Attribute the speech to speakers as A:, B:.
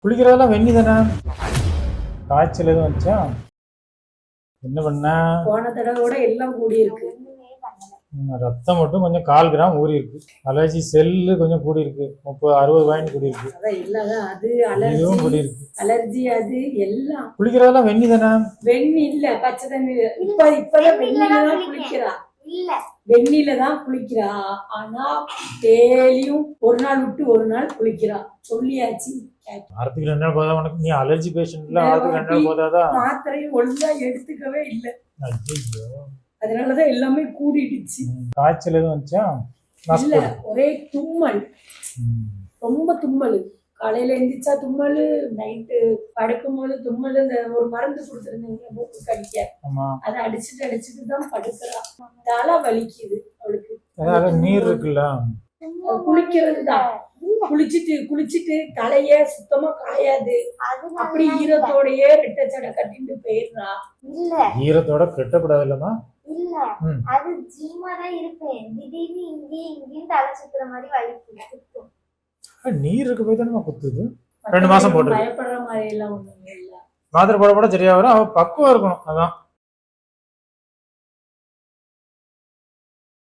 A: குளிக்கிறதெல்லாம் வெந்நி தானே? காய்ச்சல் எதுவும் வந்துச்சா? என்ன பண்ண?
B: போன தடவை எல்லாம் கூடி இருக்கு.
A: ரத்தம் மட்டும் கொஞ்சம் 1/4 கிராம் ஊறி இருக்கு. அலர்ஜி செல்லு கொஞ்சம் கூடி இருக்கு. 30-60 பாயிண்ட் கூடி இருக்கு.
B: அதுவும் கூடி இருக்கு. அலர்ஜி அது எல்லாம்.
A: குளிக்கிறதெல்லாம் வெந்நி தானே?
B: வெந்நி இல்ல, பச்சை தண்ணி. இப்பதான் வெந்நில தான் குளிக்கிறா. இல்ல, வெந்நில தான் குளிக்கிறா. ஆனா டெய்லியும் ஒரு நாள் விட்டு ஒரு நாள் குளிக்கிறா. சொல்லியாச்சு.
A: வாரத்துக்கு 2 நாள் போதா உனக்கு? நீ அலர்ஜி பேஷண்ட்ல வாரத்துக்கு 2 நாள் போதாதா?
B: மாத்திரையும் ஒழுங்கா எடுத்துக்கவே இல்ல.
A: ஐயோ,
B: அதனாலதான் எல்லாமே கூடிடுச்சு.
A: காய்ச்சல் எதுவும் வந்துச்சா?
B: இல்ல, ஒரே தும்மல். ரொம்ப தும்மல். காலையில எந்திரிச்சா தும்மல், நைட்டு படுக்கும் போது தும்மல். இந்த ஒரு மருந்து கொடுத்துருந்தீங்க மூக்கு கடிக்க, அதை அடிச்சுட்டு தான் படுக்கிறா. தலை வலிக்குது அவளுக்கு.
A: நீர் இருக்குல்ல,
B: குளிக்கிறது தான். குளிச்சுட்டு தலைய சுத்தமா காயாது. அப்படி ஈரத்தோடயே ரெட்டை சடை கட்டிட்டு போயிடுறா.
C: இல்ல,
A: ஈரத்தோட கட்டக்கூடாது இல்லமா?
C: இல்ல, அது ஜீமா தான் இருப்பேன். திடீர்னு இங்கேயும் தலை சுத்துற மாதிரி வலிக்கும்.
A: நீர் இருக்கு போய் தானே குத்துது. 2 மாசம் போட்டு
B: பயப்படுற மாதிரி எல்லாம் ஒண்ணும் இல்ல.
A: மாத்திரை போட சரியா வரும். அவ பக்குவம் இருக்கணும். அதான்